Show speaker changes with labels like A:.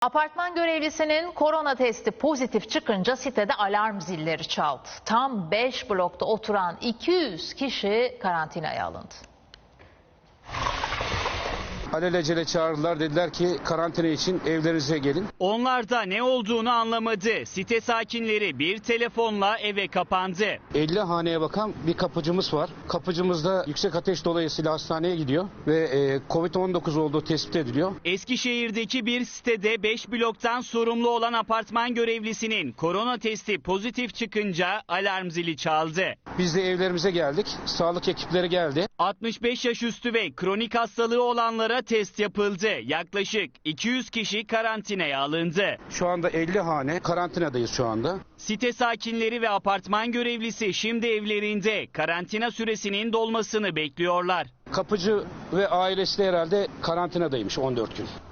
A: Apartman görevlisinin korona testi pozitif çıkınca sitede alarm zilleri çaldı. Tam 5 blokta oturan 200 kişi karantinaya alındı.
B: Alelacele çağırdılar, dediler ki karantina için evlerinize gelin.
C: Onlar da ne olduğunu anlamadı. Site sakinleri bir telefonla eve kapandı.
B: 50 haneye bakan bir kapıcımız var. Kapıcımız da yüksek ateş dolayısıyla hastaneye gidiyor ve Covid-19 olduğu tespit ediliyor.
C: Eskişehir'deki bir sitede 5 bloktan sorumlu olan apartman görevlisinin korona testi pozitif çıkınca alarm zili çaldı.
B: Biz de evlerimize geldik. Sağlık ekipleri geldi.
C: 65 yaş üstü ve kronik hastalığı olanlara test yapıldı. Yaklaşık 200 kişi karantinaya alındı.
B: Şu anda 50 hane karantinadayız şu anda.
C: Site sakinleri ve apartman görevlisi şimdi evlerinde karantina süresinin dolmasını bekliyorlar.
B: Kapıcı ve ailesi de herhalde karantinadaymış 14 gün.